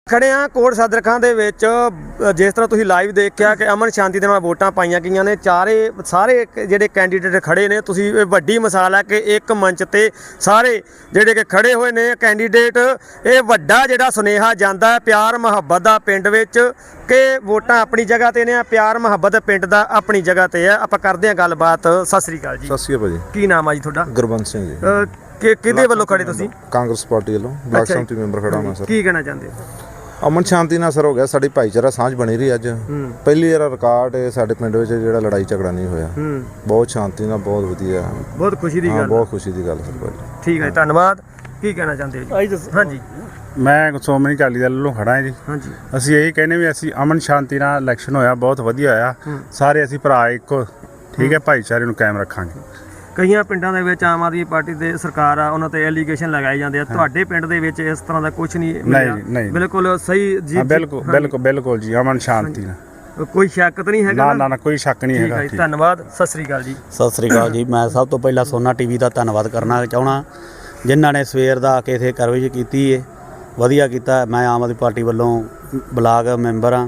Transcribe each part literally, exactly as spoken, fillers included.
खड़े हाँ कोट सदर खां दे विच जिस तरह तुसीं लाइव देखिया कि अमन शांति दे नाल वोटां पाईयां गईयां ने चारे सारे जिहड़े कैंडीडेट खड़े ने तुसीं इह वड्डी मिसाल है कि एक मंच ते सारे जिहड़े कि खड़े होए ने कैंडीडेट ये वड्डा जिहड़ा सुनेहा जांदा है प्यार मुहब्बत दा पिंड विच कि वोटां अपनी जगह ते ने प्यार मुहब्बत पिंड दा अपनी जगह ते है। आपां करदे हां गलबात। सत श्री अकाल जी। सत श्री अकाल जी। कि नाम है जी तुहाडा? गुरबंस सिंह जी। कि किहदे वल्लों खड़े तुसीं? कांग्रेस पार्टी वल्लों ब्लाक समिति मैंबर खड़ा मैं सर। की कहना चाहते हो? अमन शांति नाल सर हो गया साडी भाईचारा सांझ बनी रही अज पहली बार रिकॉर्ड है साडे पिंड विच जिहड़ा लड़ाई झगड़ा नहीं होया। बहुत शांति नाल बहुत वधिया बहुत खुशी दी गल। बहुत खुशी दी गल सर। ठीक है धन्यवाद। की कहना चाहते हो जी? हाँ जी मैं सोमनी अकाली दल ਵੱਲੋਂ खड़ा जी। हाँ जी ਅਸੀਂ ਇਹੀ ਕਹਿੰਦੇ ਵੀ ਅਸੀਂ ਅਮਨ ਸ਼ਾਂਤੀ ਨਾਲ ਇਲੈਕਸ਼ਨ ਹੋਇਆ ਬਹੁਤ ਵਧੀਆ ਹੋਇਆ ਸਾਰੇ ਅਸੀਂ ਭਰਾ ਇੱਕੋ ਠੀਕ ਹੈ ਭਾਈਚਾਰੇ ਨੂੰ ਕਾਇਮ ਰੱਖਾਂਗੇ। ਕਈਆਂ ਪਿੰਡਾਂ ਦੇ ਵਿੱਚ ਆਮ ਆਦਮੀ ਪਾਰਟੀ ਦੇ ਸਰਕਾਰ ਆ ਉਹਨਾਂ ਤੇ ਐਲੀਗੇਸ਼ਨ ਲਗਾਏ ਜਾਂਦੇ ਆ ਤੁਹਾਡੇ ਪਿੰਡ ਦੇ ਵਿੱਚ ਇਸ ਤਰ੍ਹਾਂ ਦਾ ਕੁਝ ਨਹੀਂ ਨਹੀਂ ਨਹੀਂ ਬਿਲਕੁਲ ਸਹੀ ਜੀ ਬਿਲਕੁਲ ਬਿਲਕੁਲ ਬਿਲਕੁਲ ਜੀ ਅਮਨ ਸ਼ਾਂਤੀ ਨਾਲ ਕੋਈ ਸ਼ੱਕ ਤਾਂ ਨਹੀਂ ਹੈਗਾ? ਨਾ ਨਾ ਨਾ ਕੋਈ ਸ਼ੱਕ ਨਹੀਂ ਹੈਗਾ। ਧੰਨਵਾਦ। ਸਤਿ ਸ੍ਰੀ ਅਕਾਲ ਜੀ। ਸਤਿ ਸ੍ਰੀ ਅਕਾਲ ਜੀ। ਮੈਂ ਸਭ ਤੋਂ ਪਹਿਲਾਂ ਸੋਨਾ ਟੀਵੀ ਦਾ ਧੰਨਵਾਦ ਕਰਨਾ ਚਾਹੁੰਦਾ ਜਿਨ੍ਹਾਂ ਨੇ ਸਵੇਰ ਦਾ ਆ ਕੇ ਇੱਥੇ ਕਰਵੇਜ ਕੀਤੀ ਹੈ ਵਧੀਆ ਕੀਤਾ। ਮੈਂ ਆਮ ਆਦਮੀ ਪਾਰਟੀ ਵੱਲੋਂ ਬਲਾਕ ਮੈਂਬਰ ਹਾਂ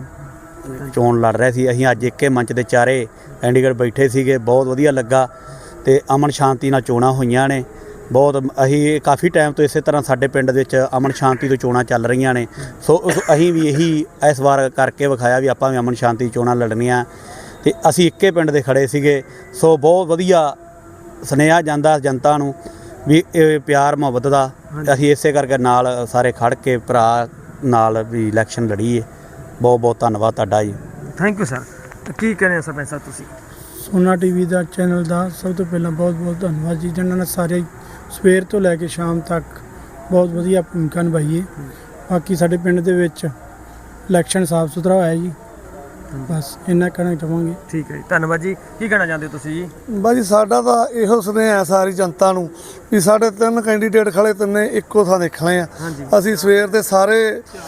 ਚੋਣ ਲੜ ਰਹੇ ਸੀ ਅਸੀਂ ਅੱਜ ਇੱਕੇ ਮੰਚ ਦੇ ਚਾਰੇ ਕੈਂਡੀਡੇਟ ਬੈਠੇ ਸੀਗੇ ਬਹੁਤ ਵਧੀਆ ਲੱਗਾ ਤੇ ਅਮਨ ਸ਼ਾਂਤੀ ਨਾਲ ਚੋਣਾਂ ਹੋਈਆਂ ਨੇ ਬਹੁਤ ਅਸੀਂ ਕਾਫੀ ਟਾਈਮ ਤੋਂ ਇਸੇ ਤਰ੍ਹਾਂ ਸਾਡੇ ਪਿੰਡ ਵਿੱਚ ਅਮਨ ਸ਼ਾਂਤੀ ਤੋਂ ਚੋਣਾਂ ਚੱਲ ਰਹੀਆਂ ਨੇ ਸੋ ਅਸੀਂ ਵੀ ਇਹੀ ਇਸ ਵਾਰ ਕਰਕੇ ਵਿਖਾਇਆ ਵੀ ਆਪਾਂ ਵੀ ਅਮਨ ਸ਼ਾਂਤੀ ਚੋਣਾਂ ਲੜਨੀਆਂ ਤੇ ਅਸੀਂ ਇੱਕੇ ਪਿੰਡ ਦੇ ਖੜੇ ਸੀਗੇ ਸੋ ਬਹੁਤ ਵਧੀਆ ਸੁਨੇਹਾ ਜਾਂਦਾ ਜਨਤਾ ਨੂੰ ਵੀ ਇਹ ਪਿਆਰ ਮੁਹੱਬਤ ਦਾ ਅਸੀਂ ਇਸੇ ਕਰਕੇ ਨਾਲ ਸਾਰੇ ਖੜ ਕੇ ਭਰਾ ਨਾਲ ਵੀ ਇਲੈਕਸ਼ਨ ਲੜੀਏ। ਬਹੁਤ ਬਹੁਤ ਧੰਨਵਾਦ ਤੁਹਾਡਾ ਜੀ। Thank you sir. ਕੀ ਕਹਿੰਦੇ ਸਰਪੰਚ ਸਾਹਿਬ ਤੁਸੀਂ? ਸੋਨਾ ਟੀਵੀ ਦਾ ਚੈਨਲ ਦਾ ਸਭ ਤੋਂ ਪਹਿਲਾਂ ਬਹੁਤ ਬਹੁਤ ਧੰਨਵਾਦ ਜੀ ਜਿਨ੍ਹਾਂ ਨੇ ਸਾਰੇ ਸਵੇਰ ਤੋਂ ਲੈ ਕੇ ਸ਼ਾਮ ਤੱਕ ਬਹੁਤ ਵਧੀਆ ਭੂਮਿਕਾ ਨਿਭਾਈ ਹੈ। ਬਾਕੀ ਸਾਡੇ ਪਿੰਡ ਦੇ ਵਿੱਚ ਇਲੈਕਸ਼ਨ ਸਾਫ ਸੁਥਰਾ ਹੋਇਆ ਜੀ ਬਸ ਇੰਨਾ ਕਹਿਣਾ ਚਾਹਾਂਗੇ। ਠੀਕ ਹੈ ਜੀ ਧੰਨਵਾਦ ਜੀ। ਕੀ ਕਹਿਣਾ ਚਾਹੁੰਦੇ ਹੋ ਤੁਸੀਂ ਜੀ? ਬਾਜੀ ਸਾਡਾ ਤਾਂ ਇਹੋ ਸੁਨੇਹਾ ਸਾਰੀ ਜਨਤਾ ਨੂੰ ਵੀ ਸਾਡੇ ਤਿੰਨ ਕੈਂਡੀਡੇਟ ਖੜੇ ਤਿੰਨੇ ਇੱਕੋ ਥਾਂ ਦੇਖਣੇ ਆ। ਅਸੀਂ ਸਵੇਰ ਦੇ ਸਾਰੇ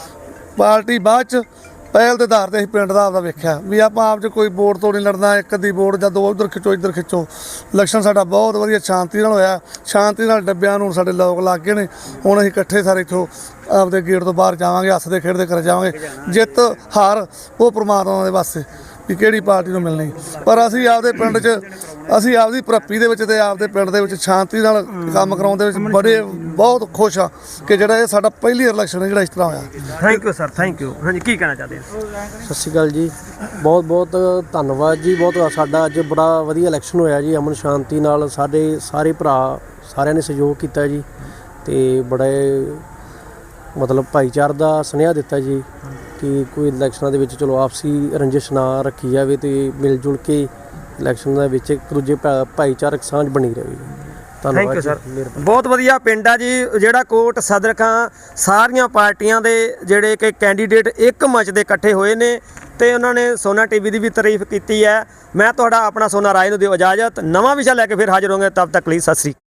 ਪਾਰਟੀ ਬਾਅਦ ਚ ਪਹਿਲ ਦੇ ਆਧਾਰ ਤੇ ਅਸੀਂ ਪਿੰਡ ਦਾ ਆਪਦਾ ਵੇਖਿਆ ਵੀ ਆਪਾਂ ਆਪ 'ਚ ਕੋਈ ਵੋਟ ਤੋਂ ਨਹੀਂ ਲੜਨਾ ਇੱਕ ਅੱਧੀ ਵੋਟ ਜਾਂ ਦੋ ਉੱਧਰ ਖਿੱਚੋ ਇੱਧਰ ਖਿੱਚੋ। ਇਲੈਕਸ਼ਨ ਸਾਡਾ ਬਹੁਤ ਵਧੀਆ ਸ਼ਾਂਤੀ ਨਾਲ ਹੋਇਆ ਸ਼ਾਂਤੀ ਨਾਲ ਡੱਬਿਆਂ ਨੂੰ ਸਾਡੇ ਲੋਕ ਲੱਗ ਗਏ ਨੇ ਹੁਣ ਅਸੀਂ ਇਕੱਠੇ ਸਾਰੇ ਇੱਥੋਂ ਆਪਦੇ ਗੇਟ ਤੋਂ ਬਾਹਰ ਜਾਵਾਂਗੇ ਹੱਸਦੇ ਖੇਡਦੇ ਘਰ ਜਾਵਾਂਗੇ। ਜਿੱਤ ਹਾਰ ਉਹ ਪ੍ਰਮਾਤਮਾ ਦੇ ਵਾਸਤੇ ਵੀ ਕਿਹੜੀ ਪਾਰਟੀ ਨੂੰ ਮਿਲਣੀ ਪਰ ਅਸੀਂ ਆਪਦੇ ਪਿੰਡ 'ਚ ਅਸੀਂ ਆਪਦੀ ਭਰਪੀ ਦੇ ਵਿੱਚ ਤੇ ਆਪਦੇ ਪਿੰਡ ਦੇ ਵਿੱਚ ਸ਼ਾਂਤੀ ਨਾਲ ਕੰਮ ਕਰਾਉਣ ਦੇ ਵਿੱਚ ਬੜੇ ਬਹੁਤ ਖੁਸ਼ ਹਾਂ ਕਿ ਜਿਹੜਾ ਇਹ ਸਾਡਾ ਪਹਿਲੀ ਇਲੈਕਸ਼ਨ ਜਿਹੜਾ ਇਸ ਤਰ੍ਹਾਂ ਹੋਇਆ। Thank you sir. Thank you. ਹਾਂਜੀ ਕੀ ਕਹਿਣਾ ਚਾਹਦੇ ਹੋ? ਸਤਿ ਸ਼੍ਰੀ ਅਕਾਲ ਜੀ। ਬਹੁਤ ਬਹੁਤ ਧੰਨਵਾਦ ਜੀ। ਬਹੁਤ ਸਾਡਾ ਅੱਜ ਬੜਾ ਵਧੀਆ ਇਲੈਕਸ਼ਨ ਹੋਇਆ ਜੀ ਅਮਨ ਸ਼ਾਂਤੀ ਨਾਲ ਸਾਡੇ ਸਾਰੇ ਭਰਾ ਸਾਰਿਆਂ ਨੇ ਸਹਿਯੋਗ ਕੀਤਾ ਜੀ ਤੇ ਬੜੇ ਮਤਲਬ ਭਾਈਚਾਰ ਦਾ ਸੁਨੇਹਾ ਦਿੱਤਾ ਜੀ ਕਿ ਕੋਈ ਇਲੈਕਸ਼ਨਾਂ ਦੇ ਵਿੱਚ ਚਲੋ ਆਪਸੀ ਰੰਜਿਸ਼ ਨਾ ਰੱਖੀ ਜਾਵੇ ਤੇ ਮਿਲ ਜੁਲ ਕੇ ਇਲੈਕਸ਼ਨ ਦੇ ਵਿੱਚ ਇੱਕ ਦੂਜੇ ਭਾਈਚਾਰਕ ਸਾਂਝ ਬਣੀ ਰਹੇ। Thank you sir. ਬਹੁਤ ਵਧੀਆ ਪਿੰਡ ਆ ਜੀ ਜਿਹੜਾ ਕੋਟ ਸਦਰ ਖਾਂ ਸਾਰੀਆਂ ਪਾਰਟੀਆਂ ਦੇ ਜਿਹੜੇ ਕਿ ਕੈਂਡੀਡੇਟ ਇੱਕ ਮੰਚ ਦੇ ਇਕੱਠੇ ਹੋਏ ਨੇ ਤੇ ਉਹਨਾਂ ਨੇ ਸੋਨਾ ਟੀਵੀ ਦੀ ਵੀ ਤਾਰੀਫ ਕੀਤੀ ਹੈ। ਮੈਂ ਤੁਹਾਡਾ ਆਪਣਾ ਸੋਨਾ ਰਾਏ ਨੂੰ ਦਿਓ ਇਜਾਜ਼ਤ। ਨਵਾਂ ਵਿਸ਼ਾ ਲੈ ਕੇ ਫਿਰ ਹਾਜ਼ਰ ਹੋਵਾਂਗੇ। ਤਬ ਤੱਕ ਲਈ ਸਤਿ ਸ੍ਰੀ ਅਕਾਲ।